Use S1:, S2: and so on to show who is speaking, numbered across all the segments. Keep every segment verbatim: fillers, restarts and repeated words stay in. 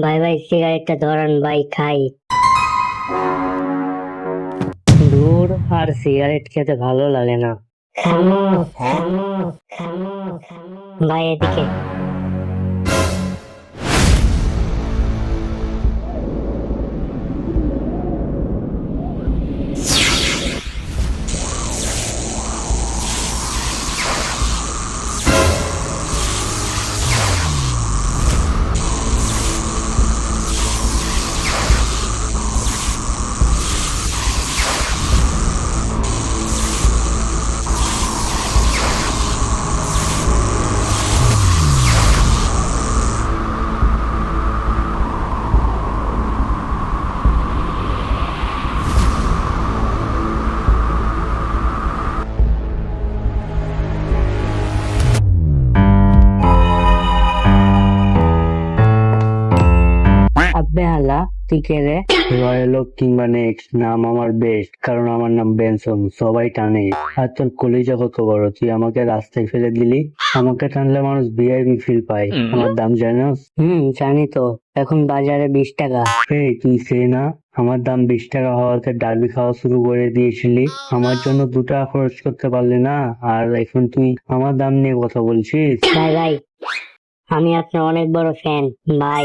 S1: ভাই ভাই সিগারেটটা ধরান ভাই, খাই।
S2: দূর, আর সিগারেট খেতে ভালো লাগে না।
S1: খামো খামো খামো খামো। ভাই এদিকে।
S2: আব্বে হালা, তুই কে রে? রয়্যাল ওক কিংবা নেক্সট, নাম আমার বেস্ট, কারণ আমার নাম বেনসন, সবাই টানে। আর তোর কলিজা কত বড়, তুই আমাকে রাস্তায় ফেলে দিলি। আমাকে টানলে মানুষ ভিআইপি ফিল পায়। আমার দাম জানোস? হুম, জানি তো। এখন বাজারে বিশ টাকা। এই তুই সে না, আমার দাম বিশ টাকা হওয়াতে ডার্বি খাওয়া শুরু করে দিয়েছিলি। আমার জন্য দু টাকা খরচ করতে পারলি না, আর এখন তুই আমার দাম নিয়ে কথা বলছিস?
S1: ভাই ভাই, আমি আপনার অনেক বড় ফ্যান ভাই।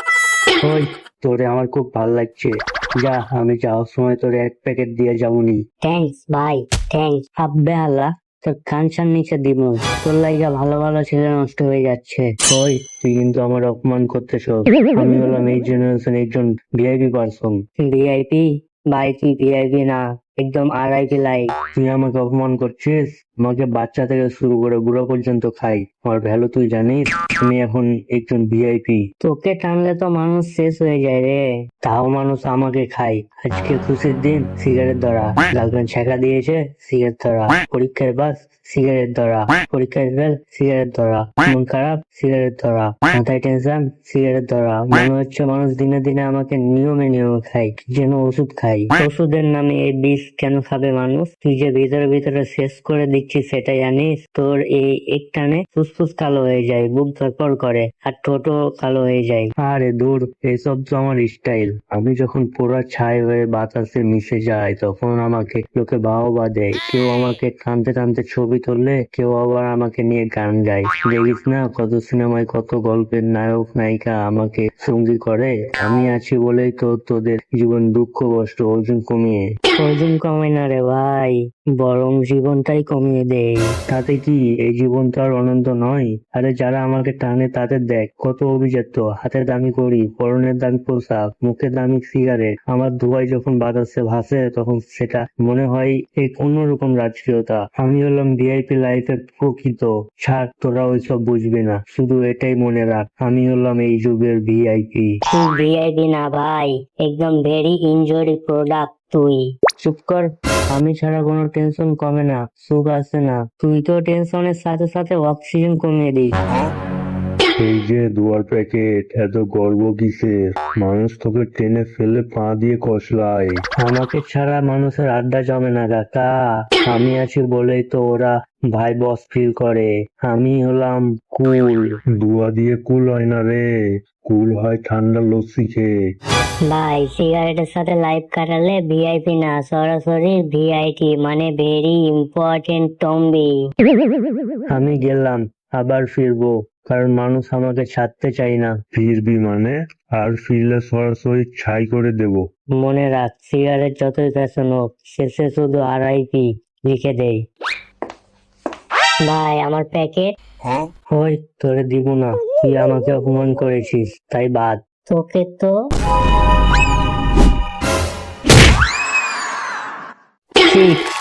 S2: ওই, তোরে আমার খুব ভালো লাগছে। যা, আমি যাওয়ার সময় তোরে এক প্যাকেট দিয়ে যাবনি।
S1: থ্যাঙ্কস ভাই, থ্যাঙ্কস।
S2: আব্বে আল্লাহ, তোর কানসার নিচে দিব। তোর লাইগা ভালো ভালো ছেলে নষ্ট হয়ে যাচ্ছে। ওই, তুই কিন্তু আমার অপমান করতেছ। আমি হলাম এই জেনারেশন একজন ভিআইপি পারসন। ভিআইপি? ভাই তুই ভিআইপি না, একদম আরআইপি লাইক। তুই আমাকে অপমান করছিস? আমাকে বাচ্চা থেকে শুরু করে বুড়ো পর্যন্ত খাই, আমার ভ্যালু তুই জানিস? আমি এখন একজন ভিআইপি। তোকে টানলে তো মানুষ শেষ হয়ে যায় রে। তাও মানুষ আমাকে খায়। আজকে খুশির দিন, সিগারেট ধরা। গার্লফ্রেন্ড ছেঁকা দিয়েছে, সিগারেট ধরা। পরীক্ষায় বাস, সিগারেট ধরা। পরীক্ষায় ফেল, সিগারেট ধরা। মন খারাপ, সিগারেট ধরা। মাথায় টেনশন, সিগারেট ধরা। মনে হচ্ছে মানুষ দিনে দিনে আমাকে নিয়মে নিয়মে খায়, যেন ওষুধ খাই। ওষুধের নামে এই বিষ কেন খাবে মানুষ? তুই যে ভিতরে ভিতরে শেষ করে দিচ্ছিস সেটা জানিস? তোর এই একটানে ফুসফুস কালো হয়ে যায়, বুক ধরপড় করে, আর ঠোঁটও কালো হয়ে যায়। আরে দূর, এসব তো আমার স্টাইল। আমি যখন পুরো ছাই হয়ে বাতাসে মিশে যাই, তখন আমাকে লোকে বাহবা দেয়। কেউ আমাকে টানতে টানতে ছবি তুললে, কেউ আবার আমাকে নিয়ে গান গায়। দেখিস না কত সিনেমায় কত গল্পের নায়ক নায়িকা আমাকে সঙ্গী করে। আমি আছি বলেই তো তোদের জীবন দুঃখ কষ্ট ওজন কমিয়ে। ওজন কমে না রে ভাই, বরং জীবনটাই কমিয়ে দেয়। তাতে কি এই জীবন তো আর অনন্ত নয়? আরে যারা আমাকে টানে তাদের দেখ কত অভিজাত, হাতে দামি করি, পরনের দামি পোশাক, মুখে দামি সিগারেট। আমার ধোঁয়ায় যখন বাতাসে ভাসে, তখন সেটা মনে হয় এক অন্যরকম রাজকীয়তা। আমি হলাম ভিআইপি লাইফের প্রকৃত। ছাড়, তোরা ওইসব বুঝবি না, শুধু এটাই মনে রাখ, আমি হলাম এই যুগের ভিআইপি।
S1: তুই ভিআইপি না ভাই, একদম ভেরি ইনজুরি প্রোডাক্ট তুই।
S2: চুপ কর। আমি ছাড়া কোনো টেনশন কমে না, সুখ আসে না। তুই তো টেনশনের সাথে সাথে অক্সিজেন কমিয়ে দিস।
S3: এই যে দুয়ার প্যাকেট, এত গর্ব কিসের? মানুষ তোকে টেনে ফেলে পা দিয়ে কষলায়।
S2: আমাকে ছাড়া মানুষের আড্ডা জমে না কাকা। আমি আছি বলেই তো ওরা ভাই বস ফিল করে। আমি হলাম কুল।
S3: দুয়া দিয়ে কুল হয় না রে, কুল হয় ঠান্ডা লস্যি খেয়ে।
S1: ভাই সিগারেটের সাথে লাইফ কাটালে ভিআইপি না, সরাসরি ভিআইটি, মানে ভেরি ইম্পর্টেন্ট টম্বি।
S2: আমি গেলাম, আবার ফিরবো, কারণ মানুষ আমাকে ছাড়তে চাই না।
S3: ফিরবি মানে? আর ফিরলে সরাসরি ছাই করে দেব।
S2: মনে রাখ, সিগারেট যতই ফ্যাশন হোক, শেষে শুধু আরআইপি লিখে দেই।
S1: ভাই আমার প্যাকেট।
S2: ওই, তোরে দিব না, তুই আমাকে অপমান করেছিস, তাই বাদ।
S1: তোকে তো
S2: ঠিক।